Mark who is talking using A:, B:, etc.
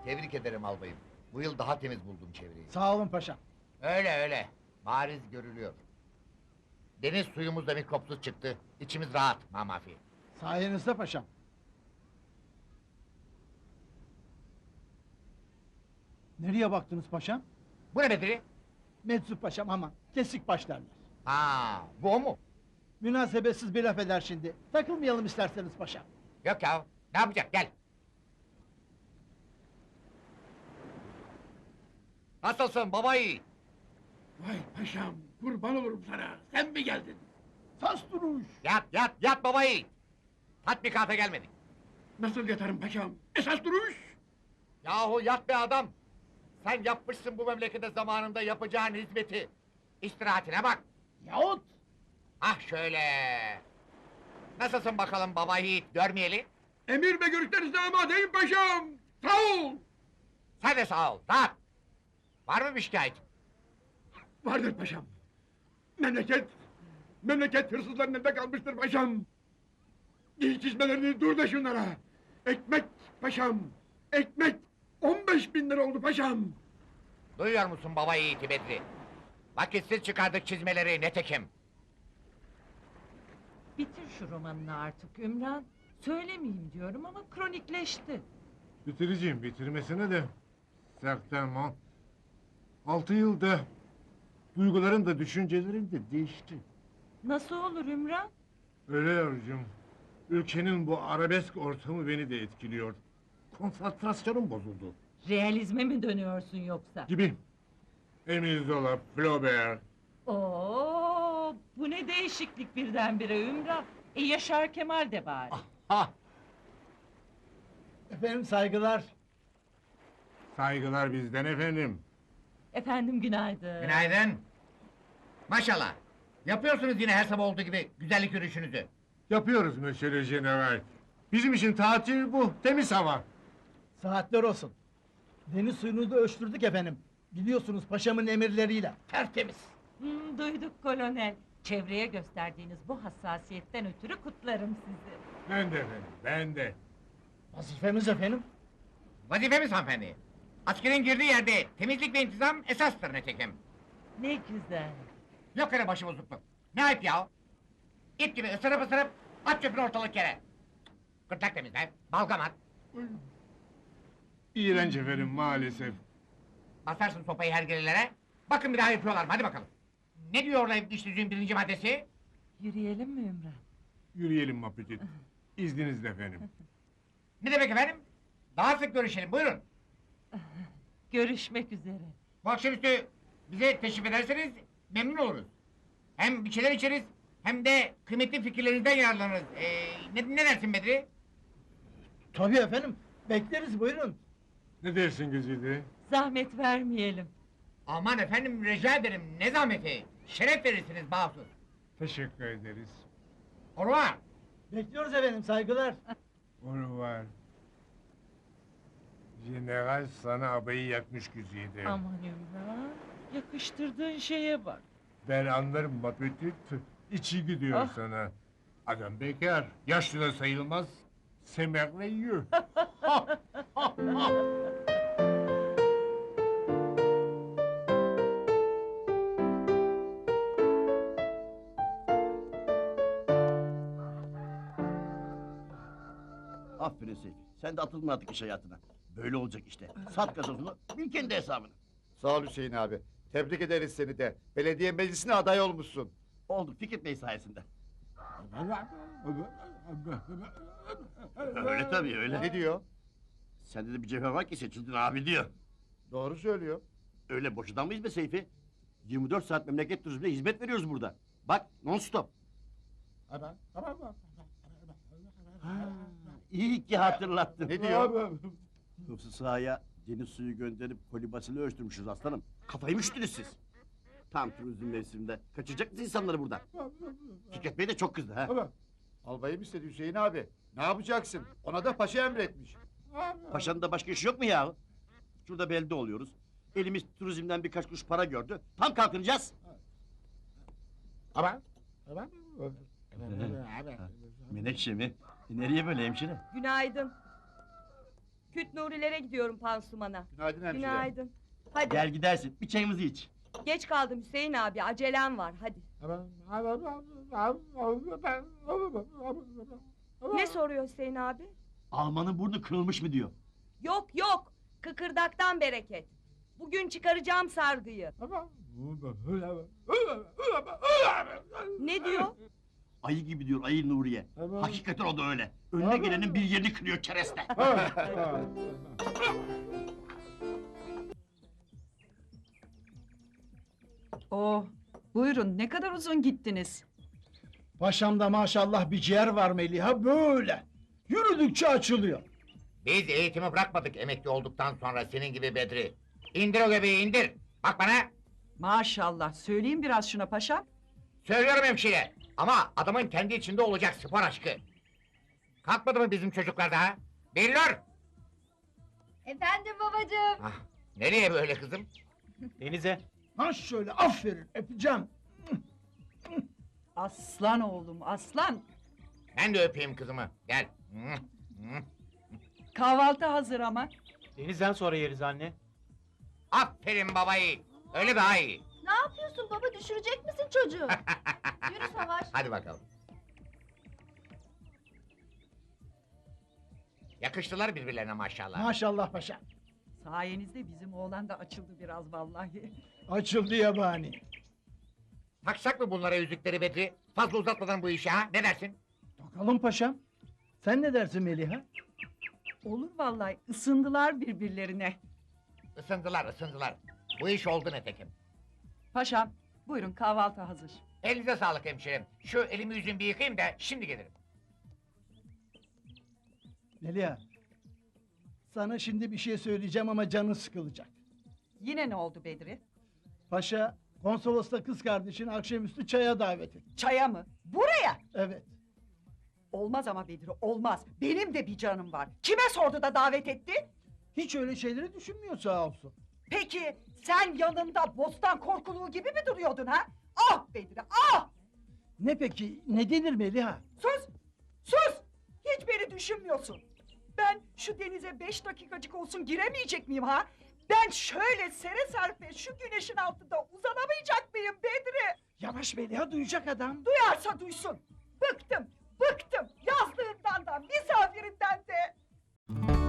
A: Tebrik ederim albayım. Bu yıl daha temiz buldum çevreyi.
B: Sağ olun paşam.
A: Öyle öyle. Bariz görülüyor. Deniz suyumuz da mikropsuz çıktı. İçimiz rahat mamafi.
B: Sayenizde paşam. Nereye baktınız paşam?
A: Bu ne Bedri?
B: Meczup paşam ama kesik başlarlar.
A: Ha, bu o mu?
B: Münasebetsiz bir laf eder şimdi. Takılmayalım isterseniz paşam.
A: Yok ya. Ne yapacak? Gel. Nasılsın baba yiğit?
C: Vay paşam, kurban olurum sana. Sen mi geldin?
B: Sas duruş!
A: Yat baba yiğit. Tatbikata gelmedik.
C: Nasıl yatarım paşam? Esas duruş!
A: Yahu yat be adam! Sen yapmışsın bu memlekete zamanında yapacağın hizmeti. İstirahatine bak.
B: Yahut!
A: Ah şöyle. Nasılsın bakalım baba yiğit görmeyeli?
C: Emir ve görüşlerinize amadeyim paşam! Sağ ol!
A: Sen de sağ ol, rahat. Var mı bir şikayet?
C: Vardır paşam. Memleket hırsızların elinde kalmıştır paşam. Giy çizmelerini dur da şunlara. Ekmek paşam, ekmek 15.000 lira oldu paşam.
A: Duyuyor musun baba yiğiti Bedri? Vakitsiz çıkardık çizmeleri netekim.
D: Bitir şu romanını artık Ümran. Söylemeyeyim diyorum ama kronikleşti.
E: Bitireceğim, bitirmesine de... Certainement. 6 yılda... Duygularım da düşüncelerim de değişti.
D: Nasıl olur Ümran?
E: Öyle yavrucuğum. Ülkenin bu arabesk ortamı beni de etkiliyor. Konsantrasyonum bozuldu.
D: Realizme mi dönüyorsun yoksa?
E: Gibi. Emile Zola, Flaubert...
D: Oo, bu ne değişiklik birdenbire Ümran. Yaşar Kemal de bari.
A: Ha,
B: Efendim saygılar.
E: Saygılar bizden efendim.
D: Efendim günaydın.
A: günaydın. Maşallah. Yapıyorsunuz yine her sabah olduğu gibi güzellik yürüyüşünüzü.
E: Yapıyoruz Monsieur le General. Bizim için tatil bu, temiz hava.
B: Saatler olsun. Deniz suyunu da ölçtürdük efendim. Biliyorsunuz paşamın emirleriyle. Tertemiz.
D: Duyduk kolonel. Çevreye gösterdiğiniz bu hassasiyetten ötürü kutlarım sizi.
E: Ben de efendim, ben de.
B: Vazifemiz efendim.
A: Vazifemiz hanımefendi. Askerin girdiği yerde temizlik ve intizam esastır netekim.
D: Ne güzel.
A: Yok öyle başıbozukluk. Ne ayıp ya? İt gibi ısırıp at çöpünü ortalık yere. Gırtlak temizle, balgam at.
E: İğrenç efendim maalesef.
A: Basarsın sopayı hergelilere. Bakın bir daha yapıyorlar mı? Hadi bakalım. Ne diyor orada iş düzüğün birinci maddesi?
D: Yürüyelim mi Ümran?
E: Yürüyelim Maputit. İzninizle efendim.
A: Ne demek efendim? Daha sık görüşelim, buyurun.
D: Görüşmek üzere.
A: Bu akşamüstü bize teşrif ederseniz memnun oluruz. Hem bir şeyler içeriz, hem de kıymetli fikirlerinizden yararlanırız. Ne dersin Bedri?
B: Tabii efendim. Bekleriz buyurun.
E: Ne dersin Güzide?
D: Zahmet vermeyelim.
A: Aman efendim rica ederim, ne zahmeti. Şeref verirsiniz bahsus.
E: Teşekkür ederiz.
A: Au revoir.
B: Bekliyoruz efendim saygılar.
E: Au revoir. General sana abayı yakmış Güzide.
D: Aman Ümran, yakıştırdığın şeye bak.
E: Ben anlarım Maputit. İçi gidiyor
D: Ah.
E: sana. Adam bekar, yaşlı da sayılmaz. C'est merveilleux.
F: Aferin Seyfi. Sen de atıldın artık iş hayatına. Böyle olacak işte. Sat gazozunu, bil kendi hesabını.
G: Sağ ol Hüseyin abi. Tebrik ederiz seni de. Belediye meclisine aday olmuşsun.
F: Olduk Fikret Bey sayesinde. Öyle tabii öyle.
G: Ne diyor?
F: Sende de bir cevher var ki seçildin abi diyor.
G: Doğru söylüyor.
F: Öyle boşadan mıyız be Seyfi? 24 saat memleket turizmine hizmet veriyoruz burada. Bak non stop. Ha, iyi ki hatırlattın.
G: Ne diyor?
F: Hıfzı sahaya deniz suyu gönderip kolibasını ölçtürmüşüz aslanım. Kafayı mı üşüttünüz siz? Tam turizm mevsiminde. Kaçıracak mısın insanları buradan? Fikret Bey de çok kızdı ha.
G: Albayım istedi Hüseyin abi. Ne yapacaksın? Ona da paşa emretmiş.
F: Paşanın da başka işi yok mu ya? Şurada belde oluyoruz. Elimiz turizmden birkaç kuruş para gördü. Tam kalkınacağız. Menekşe mi? Nereye böyle hemşire?
H: Günaydın. Küt Nurilere gidiyorum pansumana.
G: Günaydın hemşire.
H: Günaydın. Hadi.
F: Gel gidersin. Bir çayımızı iç.
H: Geç kaldım Hüseyin abi. Acelem var. Hadi. Ne soruyor Hüseyin abi?
F: Almanın burnu kırılmış mı diyor.
H: Yok yok. Kıkırdaktan bereket. Bugün çıkaracağım sargıyı. Ne diyor?
F: Ayı gibi diyor ayı Nuriye. Hakikaten o da öyle. Önüne gelenin bir yerini kırıyor kereste.
D: Oh, buyurun ne kadar uzun gittiniz.
B: Paşamda maşallah bir ciğer var Meliha böyle. Yürüdükçe açılıyor.
A: Biz eğitimi bırakmadık emekli olduktan sonra senin gibi Bedri. İndir o göbeği indir. Bak bana.
D: Maşallah, söyleyin biraz şuna paşam.
A: Söylüyorum hemşire. Ama adamın kendi içinde olacak spor aşkı. Kalkmadı mı bizim çocuklar daha? Billur!
H: Efendim babacığım.
A: Ah, nereye böyle kızım?
I: Denize.
B: Ha şöyle aferin öpeceğim.
D: Aslan oğlum, aslan.
A: Ben de öpeyim kızımı. Gel. Hı, hı.
D: Kahvaltı hazır ama.
I: Denizden sonra yeriz anne.
A: Aferin babayı. Öyle daha iyi.
H: Ne yapıyorsun baba? Düşürecek misin çocuğu? Yürü Savaş.
A: Hadi bakalım. Yakıştılar birbirlerine maşallah.
B: Maşallah paşam.
D: Sayenizde bizim oğlan da açıldı biraz vallahi.
B: Açıldı yabani.
A: Taksak mı bunlara yüzükleri Bedri? Fazla uzatmadan bu işi ha? Ne dersin?
B: Takalım paşam. Sen ne dersin Meliha?
D: Olur vallahi, ısındılar birbirlerine.
A: Isındılar, ısındılar. Bu iş oldu netekim.
D: Paşam, buyurun kahvaltı hazır.
A: Elinize sağlık hemşerim. Şu elimi yüzümü bir yıkayayım da şimdi gelirim.
B: Meliha. Sana şimdi bir şey söyleyeceğim ama canın sıkılacak.
D: Yine ne oldu Bedri?
B: Paşa konsolosla kız kardeşini akşamüstü çaya davet etti.
D: Çaya mı? Buraya!
B: Evet.
D: Olmaz ama Bedri, olmaz. Benim de bir canım var. Kime sordu da davet etti?
B: Hiç öyle şeyleri düşünmüyor sağ olsun.
D: Peki sen yanında bostan korkuluğu gibi mi duruyordun ha? Ah Bedri, ah!
B: Ne peki? Ne denir Meliha?
D: Sus! Sus! Hiç beni düşünmüyorsun. Ben şu denize 5 dakikacık olsun giremeyecek miyim ha? Ben şöyle sere serpe şu güneşin altında uzanamayacak mıyım Bedri?
B: Yavaş Meliha duyacak adam.
D: Duyarsa duysun. Bıktım, bıktım. Yazdığımdan da, misafirimden de.